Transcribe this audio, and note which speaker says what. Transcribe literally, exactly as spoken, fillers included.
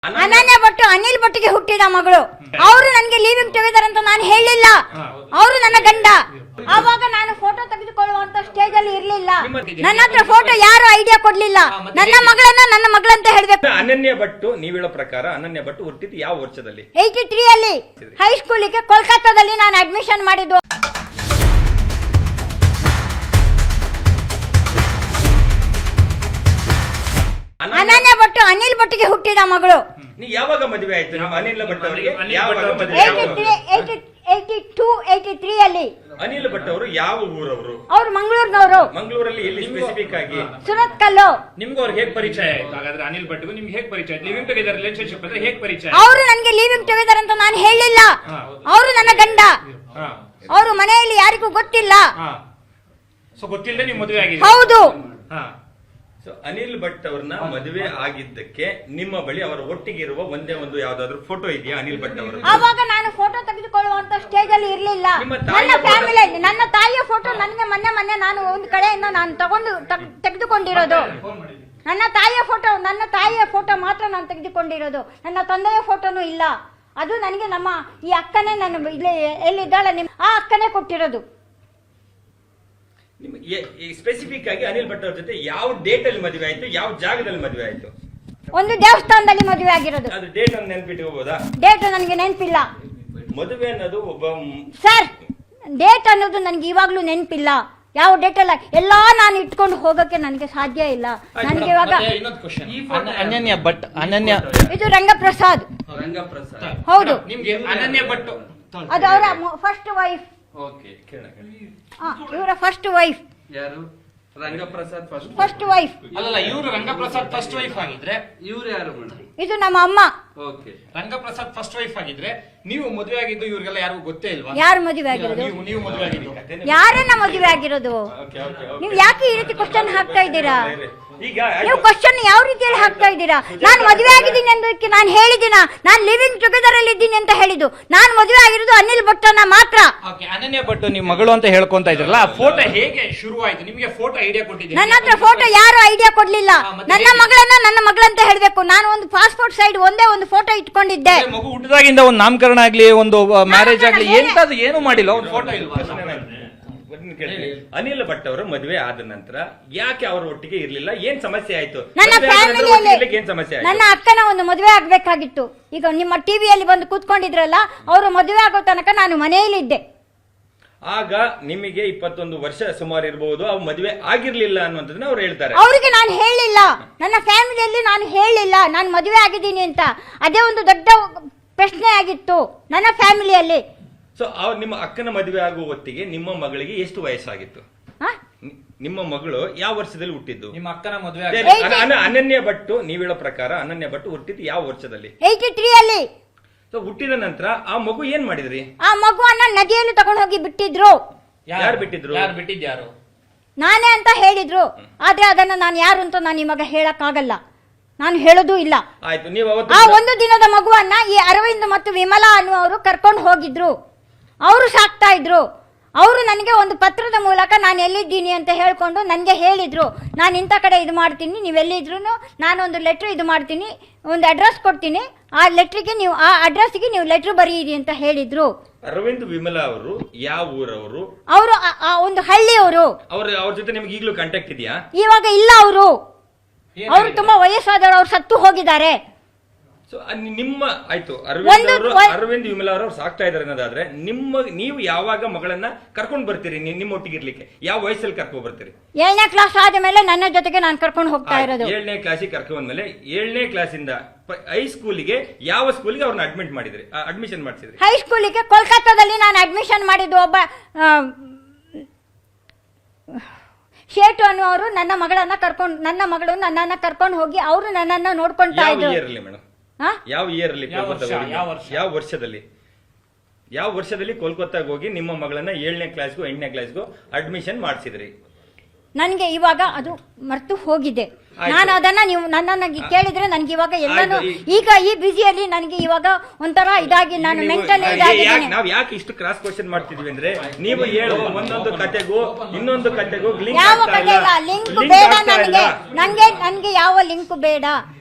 Speaker 1: ಅನನ್ಯ ಭಟ್ ಅನಿಲ್ ಭಟ್ಗೆ ಹುಟ್ಟಿದ ಮಗಳು. ಅವರು ನನಗೆ ಲೀವಿಂಗ್ ಟುಗೆದರ್ ಅಂತ ನಾನು ಹೇಳಿಲ್ಲ. ಅವರು ನನ್ನ ಗಂಡ. ಆವಾಗ ನಾನು ಫೋಟೋ ತೆಗೆದುಕೊಳ್ಳುವಂತ ಸ್ಟೇಜ್ ಅಲ್ಲಿ ಇರ್ಲಿಲ್ಲ. ನನ್ನ ಹತ್ರ ಫೋಟೋ ಯಾರು ಐಡಿಯಾ ಕೊಡ್ಲಿಲ್ಲ. ನನ್ನ ಮಗಳನ್ನ ನನ್ನ ಮಗಳಂತ ಹೇಳ್ಬೇಕು.
Speaker 2: ಅನನ್ಯ ಭಟ್ ನೀವ್ ಹೇಳೋ ಪ್ರಕಾರ ಅನನ್ಯ ಭಟ್ ಹುಟ್ಟಿದ್ದು ಯಾವ ವರ್ಷದಲ್ಲಿ?
Speaker 1: ಏಯ್ಟಿ ತ್ರೀ ಅಲ್ಲಿ ಹೈಸ್ಕೂಲಿಗೆ ಕೋಲ್ಕತ್ತಾದಲ್ಲಿ ನಾನು ಅಡ್ಮಿಷನ್ ಮಾಡಿದ್ದು. ಅನನ್ಯ ಭಟ್ ಅನಿಲ್ ಭಟ್ಗೆ ಹುಟ್ಟಿದ ಮಗಳು.
Speaker 2: ನೀ ಯಾವಾಗ ಮದುವೆ ಆಯ್ತು ನಿಮ್ಮ ಅನಿಲ್ ಭಟ್ ಅವರಿಗೆ?
Speaker 1: ಏಯ್ಟಿ ಟೂ ಏಯ್ಟಿ ತ್ರೀ ಅಲ್ಲಿ.
Speaker 2: ಅನಿಲ್ ಭಟ್ ಅವರು ಯಾವ ಊರವರು?
Speaker 1: ಅವ್ರು ಮಂಗಳೂರಿನವರು.
Speaker 2: ಮಂಗಳೂರಲ್ಲಿ ಎಲ್ಲಿ ಸ್ಪೆಸಿಫಿಕ್ ಆಗಿ?
Speaker 1: ಸುರತ್ ಕಲ್ಲು.
Speaker 3: ನಿಮ್ಗೆ ಅವ್ರಿಗೆ ಹೇಗ್ ಪರಿಚಯ ಆಯ್ತು? ಹಾಗಾದ್ರೆ ಅನಿಲ್ ಭಟ್ಗೂ ನಿಮ್ಗೆ ಹೇಗ್ ಪರಿಚಯ ಆಯ್ತು? ಲಿವಿಂಗ್ ಟುಗೆದರ್ ರಿಲೇಶನ್ಶಿಪ್ ಅಂದ್ರೆ ಹೇಗ್ ಪರಿಚಯ?
Speaker 1: ಅವರು ನನಗೆ ಲಿವಿಂಗ್ ಟುಗೆದರ್ ಅಂತ ನಾನು ಹೇಳಿಲ್ಲ. ಅವರು ನನ್ನ ಗಂಡ. ಅವರು ಮನೆಯಲ್ಲಿ ಯಾರಿಗೂ ಗೊತ್ತಿಲ್ಲ.
Speaker 3: ಸೊ ಗೊತ್ತಿಲ್ಲದೆ ನೀವು ಮದುವೆ ಆಗಿದೆ?
Speaker 1: ಹೌದು.
Speaker 2: ಸೊ ಅನಿಲ್ ಭಟ್ ಅವ್ರನ್ನ ಮದುವೆ ಆಗಿದ್ದಕ್ಕೆ ನಿಮ್ಮ ಬಳಿ ಅವರ ಒಟ್ಟಿಗೆ ಇರುವ ಒಂದೇ ಒಂದು ಯಾವ್ದಾದ್ರು ಫೋಟೋ ಇದೆಯಾ ಅನಿಲ್ ಭಟ್ ಅವರು?
Speaker 1: ಆವಾಗ ನಾನು ಫೋಟೋ ತೆಗೆದುಕೊಳ್ಳುವಂತ ಸ್ಟೇಜ್ ಅಲ್ಲಿ ಇರ್ಲಿಲ್ಲ. ನನ್ನ ಫ್ಯಾಮಿಲಿ ನನ್ನ ತಾಯಿಯ ಫೋಟೋ ನನಗೆ ಮೊನ್ನೆ ಮೊನ್ನೆ ನಾನು ಒಂದು ಕಡೆಯಿಂದ ನಾನು ತಗೊಂಡು ತೆಗೆದುಕೊಂಡಿರೋದು. ನನ್ನ ತಾಯಿಯ ಫೋಟೋ ನನ್ನ ತಾಯಿಯ ಫೋಟೋ ಮಾತ್ರ ನಾನು ತೆಗೆದುಕೊಂಡಿರೋದು. ನನ್ನ ತಂದೆಯ ಫೋಟೋನು ಇಲ್ಲ. ಅದು ನನಗೆ ನಮ್ಮ ಈ ಅಕ್ಕನೇ ನನ್ನ ಇಲ್ಲಿ ಎಲ್ಲಿದ್ದಾಳೆ ನಿಮ್ ಆ ಅಕ್ಕನೇ ಕೊಟ್ಟಿರೋದು.
Speaker 2: ಸ್ಪೆಸಿಫಿಕ್ ಆಗಿ ಅನಿಲ್ ಭಟ್ ಅವ್ರ ಜೊತೆ ಯಾವ ಡೇಟ್ ಅಲ್ಲಿ ಮದುವೆ ಆಯ್ತು, ಯಾವ ಜಾಗದಲ್ಲಿ ಮದುವೆ ಆಯ್ತು?
Speaker 1: ಒಂದು ದೇವಸ್ಥಾನದಲ್ಲಿ ಮದುವೆ ಆಗಿರೋದು.
Speaker 2: ಅದು ಡೇಟ್ ಅನ್ನು ನೆನ್ಪಿಟ್ಕೋಬಹುದಾ?
Speaker 1: ಡೇಟ್ ನನಗೆ ನೆನಪಿಲ್ಲ.
Speaker 2: ಮದುವೆ ಅನ್ನೋದು ಒಬ್ಬ
Speaker 1: ಸರ್ ಡೇಟ್ ಅನ್ನೋದು ನನಗೆ ಇವಾಗ್ಲೂ ನೆನಪಿಲ್ಲ. ಯಾವ ಡೇಟ್ ಅಲ್ಲ ಎಲ್ಲಾ ನಾನು ಇಟ್ಕೊಂಡು ಹೋಗಕ್ಕೆ ನನಗೆ ಸಾಧ್ಯ ಇಲ್ಲ. ನನಗೆ ಇವಾಗ
Speaker 4: ಅನನ್ಯ ಭಟ್ ಅನನ್ಯ
Speaker 1: ಇದು ರಂಗಪ್ರಸಾದ್.
Speaker 3: ರಂಗಪ್ರಸಾದ್
Speaker 1: ಹೌದು.
Speaker 3: ನಿಮ್ಗೆ ಅನನ್ಯ ಭಟ್
Speaker 1: ಅದು ಅವರ ಫಸ್ಟ್ ವೈಫ್.
Speaker 3: ಓಕೆ
Speaker 1: ಇವರ ಫಸ್ಟ್ ವೈಫ್
Speaker 5: ಯಾರು? Rangaprasad first
Speaker 1: first wife.
Speaker 3: ಅಲ್ಲಲ್ಲ, ಇವರು ರಂಗಪ್ರಸಾದ್ ಫಸ್ಟ್ ವೈಫ್ ಆಗಿದ್ರೆ
Speaker 5: ಇವ್ರು ಯಾರು ಮೇಡಮ್?
Speaker 1: ಇದು ನಮ್ಮ ಅಮ್ಮ.
Speaker 5: ಓಕೆ.
Speaker 3: ರಂಗಪ್ರಸಾದ್ ಫಸ್ಟ್ ವೈಫ್ ಆಗಿದ್ರೆ ನೀವು ಮದುವೆ ಆಗಿದ್ದು ಇವ್ರಿಗೆಲ್ಲ ಯಾರಿಗೂ ಗೊತ್ತೇ ಇಲ್ವಾ?
Speaker 1: ಯಾರು ಮದುವೆ ಆಗಿರೋದು?
Speaker 3: ನೀವು ನೀವು ಮದುವೆ ಆಗಿದ್ದು
Speaker 1: ಯಾರನ್ನ ಮದುವೆ ಆಗಿರೋದು? ನೀವು ಯಾಕೆ ಈ ರೀತಿ ಕ್ವಶನ್ ಹಾಕ್ತಾ ಇದ್ದೀರಾ?
Speaker 2: ಈಗ
Speaker 1: ನೀವು ಕ್ವಶನ್ ಯಾವ ರೀತಿಯಲ್ಲಿ ಹಾಕ್ತಾ ಇದ್ದೀರಾ? ನಾನು ಮದುವೆ ಆಗಿದ್ದೀನಿ ಅನ್ನೋದಕ್ಕೆ ನಾನು ಹೇಳಿದಿನ ನಾನು ಲಿವಿಂಗ್ ಟುಗೆದರ್ ಅಲ್ಲಿ ಇದ್ದೀನಿ ಅಂತ ಹೇಳಿದ್ದು. ನಾನು ಮದುವೆ ಆಗಿರೋದು ಅನಿಲ್ ಭಟ್ಟನ್ನ ಮಾತ್ರ.
Speaker 4: ಓಕೆ. ಅನನ್ಯ ಭಟ್ ನೀವು ಮಗಳು ಅಂತ ಹೇಳ್ಕೊಂತ ಇದ್ರಲ್ಲ,
Speaker 3: ಆ ಫೋಟೋ ಹೇಗೆ ಶುರುವಾಯ್ತು? ನಿಮಗೆ ಫೋಟೋ ಐಡಿಯಾ ಕೊಟ್ಟಿದ್ದೀನಿ.
Speaker 1: ನನ್ನ ಹತ್ರ ಫೋಟೋ ಯಾರು ಐಡಿಯಾ ಕೊಡ್ಲಿಲ್ಲ. ನನ್ನ ಮಗಳನ್ನ ನನ್ನ ಮಗಳಂತ ಹೇಳ್ಬೇಕು. ನಾನು ಒಂದು ಪಾಸ್ಪೋರ್ಟ್ ಸೈಡ್ ಒಂದೇ ಒಂದು ಫೋಟೋ ಇಟ್ಕೊಂಡಿದ್ದೆ.
Speaker 4: ಮಗು ಹುಟ್ಟಿದಾಗಿಂದ ಒಂದು ನಾಮಕರಣ ಆಗ್ಲಿ, ಒಂದು ಮ್ಯಾರೇಜ್ ಆಗ್ಲಿ, ಎಂತದ್ದು ಏನು ಮಾಡಿಲ್ಲ. ಒಂದು ಫೋಟೋ ಇಲ್ವಾ?
Speaker 2: ಅನಿಲ್ ಭಟ್ ಅವರು ಮದುವೆ ಆದ ನಂತರ ಯಾಕೆ ಅವರ ಒಟ್ಟಿಗೆ ಇರ್ಲಿಲ್ಲ? ಏನ್ ಸಮಸ್ಯೆ ಆಯ್ತು?
Speaker 1: ನನ್ನ ಫ್ಯಾಮಿಲಿಯಲ್ಲಿ
Speaker 2: ಏನ್ ಸಮಸ್ಯೆ ಆಯ್ತು?
Speaker 1: ನನ್ನ ಅಕ್ಕನ ಒಂದು ಮದುವೆ ಆಗ್ಬೇಕಾಗಿತ್ತು. ಈಗ ನಿಮ್ಮ ಟಿವಿಯಲ್ಲಿ ಬಂದು ಕೂತ್ಕೊಂಡಿದ್ರಲ್ಲ, ಅವರು ಮದುವೆ ಆಗೋ ತನಕ ನಾನು ಮನೆಯಲ್ಲಿದ್ದೆ.
Speaker 2: ಆಗ ನಿಮಗೆ ಇಪ್ಪತ್ತೊಂದು ವರ್ಷ ಸುಮಾರು ಇರಬಹುದು. ಅವ್ರು ಮದುವೆ ಆಗಿರ್ಲಿಲ್ಲ ಅನ್ನುವಂಥದ್ದನ್ನ ಅವ್ರು ಹೇಳ್ತಾರೆ.
Speaker 1: ಅವರಿಗೆ ನಾನು ಹೇಳಿಲ್ಲ. ನನ್ನ ಫ್ಯಾಮಿಲಿಯಲ್ಲಿ ನಾನು ಹೇಳಿಲ್ಲ ನಾನು ಮದುವೆ ಆಗಿದ್ದೀನಿ ಅಂತ. ಅದೇ ಒಂದು ದೊಡ್ಡ ಪ್ರಶ್ನೆ ಆಗಿತ್ತು ನನ್ನ ಫ್ಯಾಮಿಲಿಯಲ್ಲಿ.
Speaker 2: ಸೊ ಅವ್ರು ನಿಮ್ಮ ಅಕ್ಕನ ಮದುವೆ ಆಗುವ ಹೊತ್ತಿಗೆ ನಿಮ್ಮ ಮಗಳಿಗೆ ಎಷ್ಟು ವಯಸ್ಸಾಗಿತ್ತು? ನಿಮ್ಮ ಮಗಳು ಯಾವ ವರ್ಷದಲ್ಲಿ ಹುಟ್ಟಿದ್ದು?
Speaker 4: ನಿಮ್ಮ ಅಕ್ಕನ ಮದುವೆ
Speaker 2: ಅನನ್ಯ ಭಟ್ ನೀವ್ ಹೇಳೋ ಪ್ರಕಾರ ಅನನ್ಯ ಭಟ್ ಹುಟ್ಟಿದ್ದು ಯಾವ ವರ್ಷದಲ್ಲಿ?
Speaker 1: ಏಯ್ಟಿ ತ್ರೀ ಅಲ್ಲಿ.
Speaker 2: ಸೊ ಹುಟ್ಟಿದ ನಂತರ ಆ ಮಗು ಏನ್ ಮಾಡಿದ್ರಿ?
Speaker 1: ಆ ಮಗುವನ್ನ ನದಿಯಲ್ಲಿ ತಗೊಂಡು ಹೋಗಿ ಬಿಟ್ಟಿದ್ರು.
Speaker 2: ಯಾರು ಬಿಟ್ಟಿದ್ರು?
Speaker 3: ಯಾರು ಬಿಟ್ಟಿದ್ಯಾರು?
Speaker 1: ನಾನೇ ಅಂತ ಹೇಳಿದ್ರು. ಆದ್ರೆ ಅದನ್ನ ನಾನು ಯಾರು ಅಂತ ನಾನು ನಿಮಗೆ ಹೇಳಕ್ ಆಗಲ್ಲ. ನಾನು ಹೇಳೋದು ಇಲ್ಲ.
Speaker 2: ಆಯ್ತು. ನೀವು
Speaker 1: ಆ ಒಂದು ದಿನದ ಮಗುವನ್ನ ಈ ಅರವಿಂದ್ ಮತ್ತು ವಿಮಲಾ ಅನ್ನುವರು ಕರ್ಕೊಂಡು ಹೋಗಿದ್ರು. ಅವರು ಸಾಕ್ತಾ ಇದ್ರು. ಅವರು ನನಗೆ ಒಂದು ಪತ್ರದ ಮೂಲಕ ನಾನು ಎಲ್ಲಿದ್ದೀನಿ ಅಂತ ಹೇಳ್ಕೊಂಡು ನನಗೆ ಹೇಳಿದ್ರು, ನಾನು ಇಂಥ ಕಡೆ ಇದು ಮಾಡ್ತೀನಿ, ನೀವೆಲ್ಲಿದ್ರು ನಾನೊಂದು ಲೆಟ್ರ್ ಇದು ಮಾಡ್ತೀನಿ, ಒಂದು ಅಡ್ರೆಸ್ ಕೊಡ್ತೀನಿ, ಆ ಲೆಟ್ರಿಗೆ ನೀವು ಆ ಅಡ್ರೆಸ್ಗೆ ನೀವು ಲೆಟ್ರ್ ಬರೀರಿ ಅಂತ ಹೇಳಿದ್ರು.
Speaker 2: ಅರವಿಂದ್ ವಿಮಲಾ ಅವರು ಯಾವ ಊರವರು?
Speaker 1: ಅವರು ಒಂದು ಹಳ್ಳಿಯವರು.
Speaker 2: ಅವ್ರ ಅವ್ರ ಜೊತೆ ನಿಮ್ಗೆ ಈಗಲೂ ಕಾಂಟ್ಯಾಕ್ಟ್ ಇದೆಯಾ?
Speaker 1: ಇವಾಗ ಇಲ್ಲ. ಅವರು ಅವರು ತುಂಬಾ ವಯಸ್ಸಾದವರು. ಅವ್ರು ಸತ್ತು ಹೋಗಿದ್ದಾರೆ.
Speaker 2: ಸೊ ನಿಮ್ಮ ಆಯ್ತು ಅರವಿಂದ್ ಅವರು ಅರವಿಂದ್ ವಿಮಲಾ ಅವರು ಸಾಕ್ತಾ ಇದಾರೆ ಅನ್ನೋದಾದ್ರೆ ನಿಮ್ಮ ನೀವು ಯಾವಾಗ ಮಗಳನ್ನ ಕರ್ಕೊಂಡು ಬರ್ತೀರಿ? ನಿಮ್ಮ ಒಟ್ಟಿಗೆ ಇರ್ಲಿಕ್ಕೆ ಯಾವ ವಯಸ್ಸಲ್ಲಿ ಕರ್ಕೊಂಡು ಬರ್ತೀರಿ?
Speaker 1: ಏಳನೇ ಕ್ಲಾಸ್ ಆದ ಮೇಲೆ ನನ್ನ ಜೊತೆಗೆ ನಾನು ಕರ್ಕೊಂಡು ಹೋಗ್ತಾ ಇರೋದು.
Speaker 2: ಏಳನೇ ಕ್ಲಾಸಿಗೆ ಕರ್ಕೊಂಡ್ ಬಂದ್ಮೇಲೆ ಏಳನೇ ಕ್ಲಾಸಿಂದ ಹೈಸ್ಕೂಲಿಗೆ ಯಾವ ಸ್ಕೂಲಿಗೆ ಅವ್ರನ್ನ ಅಡ್ಮಿಟ್ ಮಾಡಿದ್ರಿ, ಅಡ್ಮಿಷನ್ ಮಾಡಿಸಿದ್ರಿ?
Speaker 1: ಹೈಸ್ಕೂಲಿಗೆ ಕೋಲ್ಕತ್ತಾದಲ್ಲಿ ನಾನು ಅಡ್ಮಿಷನ್ ಮಾಡಿದ್ದು. ಒಬ್ಬ ಶೇಟು ಅನ್ನುವರು ನನ್ನ ಮಗಳನ್ನ ಕರ್ಕೊಂಡು ನನ್ನ ಮಗಳು ನನ್ನನ್ನ ಕರ್ಕೊಂಡು ಹೋಗಿ ಅವರು ನನ್ನನ್ನ ನೋಡ್ಕೊಂತಾ ಇದ್ರು.
Speaker 2: ಮೇಡಮ್ ಯಾವ ಇಯರ್ ಅಲ್ಲಿ? ಯಾವ ವರ್ಷದಲ್ಲಿ ಯಾವ ವರ್ಷದಲ್ಲಿ ಕೋಲ್ಕತ್ತಾಗ ಹೋಗಿ ನಿಮ್ಮ ಮಗಳನ್ನ ಏಳನೇ ಕ್ಲಾಸ್ಗೂ ಎಂಟನೇ ಕ್ಲಾಸ್ಗೂ ಅಡ್ಮಿಷನ್ ಮಾಡಿಸಿದ್ರಿ?
Speaker 1: ನನ್ಗೆ ಇವಾಗ ಅದು ಮರ್ತು ಹೋಗಿದೆ. ನಾನು ಅದನ್ನ ನೀವು ನನ್ನನ್ನ ಕೇಳಿದ್ರೆ ನನ್ಗೆ ಇವಾಗ ಎಲ್ಲಾನು ಈಗ ಈ ಬಿಸಿಯಲ್ಲಿ ನನಗೆ ಇವಾಗ ಒಂಥರ ಇದಾಗಿ ನಾನು ಮೆಂಟಲ್ ಇದಾಗಿದ್ದೀನಿ.
Speaker 2: ನಾವ್ ಯಾಕೆ ಇಷ್ಟು ಕ್ರಾಸ್ ಕ್ವಶನ್ ಮಾಡ್ತಿದ್ವಿ ಅಂದ್ರೆ ನೀವು ಹೇಳೋ ಒಂದೊಂದು ಕತೆಗೂ ಇನ್ನೊಂದು ಕತೆಗೂ
Speaker 1: ಯಾವ ಕತೆ ಇಲ್ಲ, ಲಿಂಕ್ ಬೇಡ ನನಗೆ. ನಂಗೆ ನನ್ಗೆ ಯಾವ ಲಿಂಕ್ ಬೇಡ.